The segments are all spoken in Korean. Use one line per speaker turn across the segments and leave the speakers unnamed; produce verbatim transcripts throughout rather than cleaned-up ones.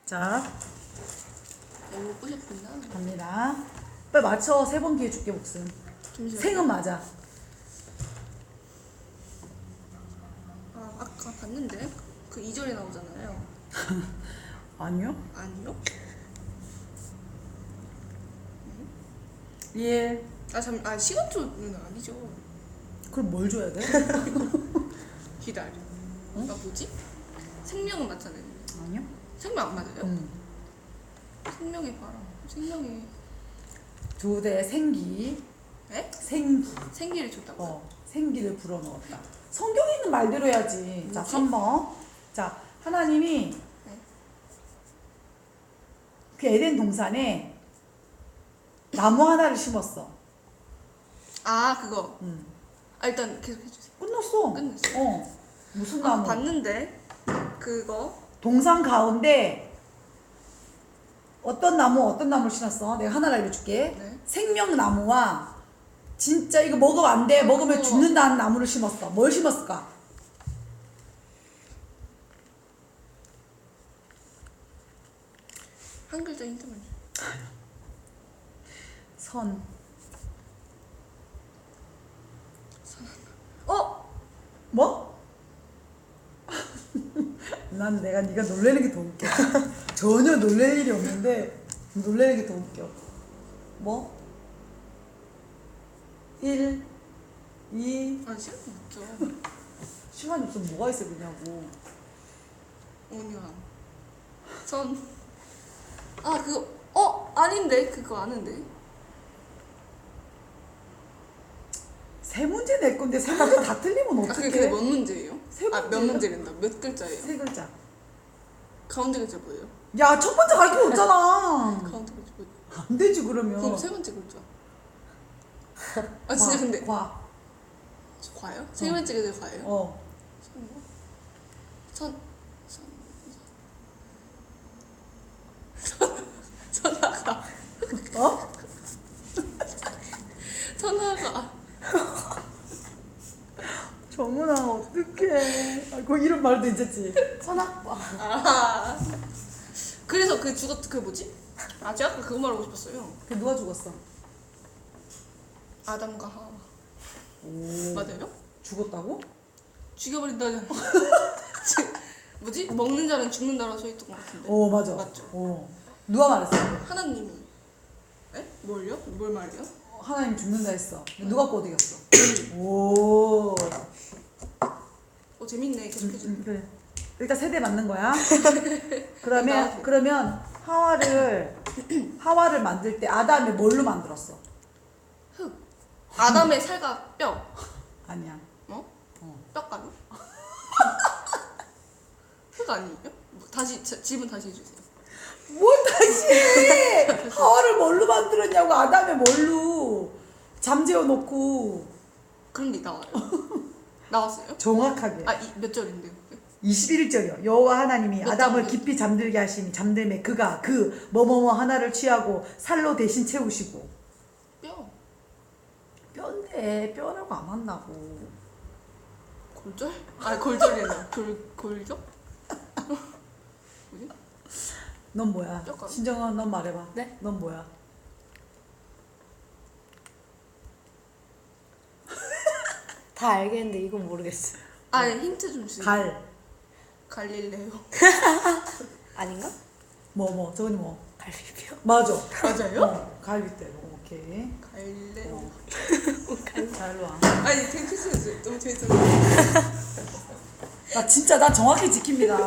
자,
너무 꼬셨구나.
갑니다. 빨리 맞춰. 세 번 기회 줄게, 목숨.
잠시만요.
생은 맞아.
아, 아까 봤는데 그 이 절에 나오잖아요.
아니요?
아니요?
일.
아, 잠, 아 시간초는 아니죠.
그럼 뭘 줘야 돼?
기다려.
응?
아 뭐지? 생명은 맞잖아요.
아니요?
생명 안 맞아요?
응.
생명의 바람. 생명의
두 대 생기.
에?
생기.
생기를 줬다고요?
어, 생기를 불어넣었다. 성경에 있는 말대로 해야지. 자,
뭐지?
삼 번. 자, 하나님이
네.
그 에덴 동산에 나무 하나를 심었어.
아 그거.
응.
아 일단 계속 해주세요.
끝났어.
끝났어요?
어. 무슨
아
나무?
봤는데 그거
동산 가운데 어떤 나무 어떤 나무를 심었어? 내가 하나 알려줄게.
네.
생명나무와 진짜 이거 먹으면 안 돼. 먹으면
그거.
죽는다는 나무를 심었어. 뭘 심었을까?
한 글자 힌트만 줘.
선.
어?
뭐? 난 내가 네가 놀래는 게 더 웃겨. 전혀 놀랄 일이 없는데 놀래는 게 더 웃겨. 뭐? 일, 이.
아 시간 없죠.
시간이 없으면 뭐가 있어 그냐고.
온유함. 선. 아 그거 어 아닌데 그거 아는데.
세 문제 낼 건데 세 가지 다 틀리면
아 그게
어떡해?
근데 몇 문제예요?
세
아 몇
문제야?
문제랜다. 몇 글자예요?
세 글자.
가운데 글자 뭐예요?
야, 첫 번째 가르쳐 줬잖아.
가운데 글자 뭐예요?
안 되지 그러면.
그럼 세 번째 글자. 아 진짜
과,
근데
과.
과요? 세 번째 글자 과예요?
어.
선. 선. 선. 선하가.
어?
선하가.
정훈아 어떡해. 아, 그 이름 말도 괜찮지. 선악과.
아. 그래서 그 죽었 그 뭐지? 아 제가 아까 그거 말하고 싶었어요.
그 누가 죽었어?
아담과 하와.
오.
맞아요?
죽었다고?
죽여버린다잖아. 뭐지? 먹는 자는 죽는다라고 써있던 것 같은데.
오 맞아.
맞죠?
어. 누가 말했어?
하나님이. 에? 뭘요? 뭘 말해요?
하나님 죽는다 했어. 근데 누가 꼬드겼어? 오.
어 재밌네. 계속해줘.
음, 그래. 일단 세대 맞는 거야. 그러면
나와서.
그러면 하와를 하와를 만들 때 아담이 뭘로 만들었어?
흙. 아담의 살과 뼈.
아니야.
어?
어.
뼈가루? 흙 아니에요? 뭐, 다시 자, 질문 다시 해주세요.
뭘 다시 해! 하와를 뭘로 만들었냐고. 아담의 뭘로 잠재워 놓고.
그런 게 나와요. 나왔어요?
정확하게.
아, 이, 몇 절인데요?
이십일 절이요. 여호와 하나님이
몇
아담을
장?
깊이 잠들게 하시니 잠들매 그가 그 뭐뭐뭐 하나를 취하고 살로 대신 채우시고.
뼈.
뼈인데 뼈라고 안 한다고.
골절? 아, 골절이네. 골, 골격? 뭐지?
넌 뭐야?
뼈가루.
신정아 넌 말해봐.
네?
넌 뭐야?
다 알겠는데 이건 모르겠어요.
아, 네, 힌트 좀 주세요.
갈.
갈릴레오.
아닌가?
뭐 뭐 저건 뭐.
갈비뼈?
맞아.
맞아요?
어, 갈비뼈. 오케이.
갈레오.
자 일로 와.
아니, 되게 캐스했어요. 너무 재밌었어요.
나 진짜 나 정확히 지킵니다.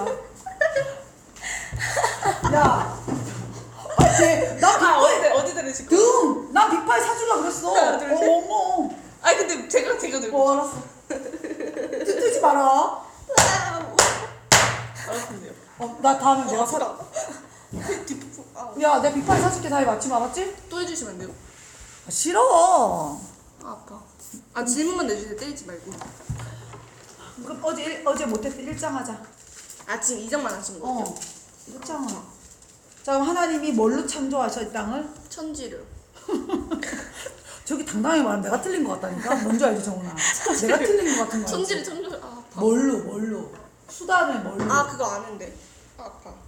야. 아, 쟤, 나
아, 어디,
빅파이
어디 들으실 거예요?
등. 나 빅파이 사주려 그랬어.
하나, 둘, 셋.
어머.
아, 근데 제가, 제가 들고.
어 알았어. 뜨지 마라.
알았는데요.
어, 나 다음에 내가 사.
사. 뒷부분. 아,
야, 내 빅파이 사줄게. 다이 맞춤 알았지?
또 해주시면 안 돼요?
아, 싫어.
아, 아파. 아, 질문만 내주세요. 때리지 말고.
그럼 어제 일, 어제 못했대 일장 하자.
아, 지금 이 장만 하신 거예요?
어. 일장은. 자, 그럼 하나님이 뭘로 창조하셔 땅을?
천지를.
저기 당당히 말하면 내가 틀린 것 같다니까. 뭔지 알지 정훈아? 내가 틀린 것 같은 거 알지?
천지를 천지를. 아, 아파.
뭘로 뭘로? 수단을 뭘로?
아, 그거 아는데. 아, 아파.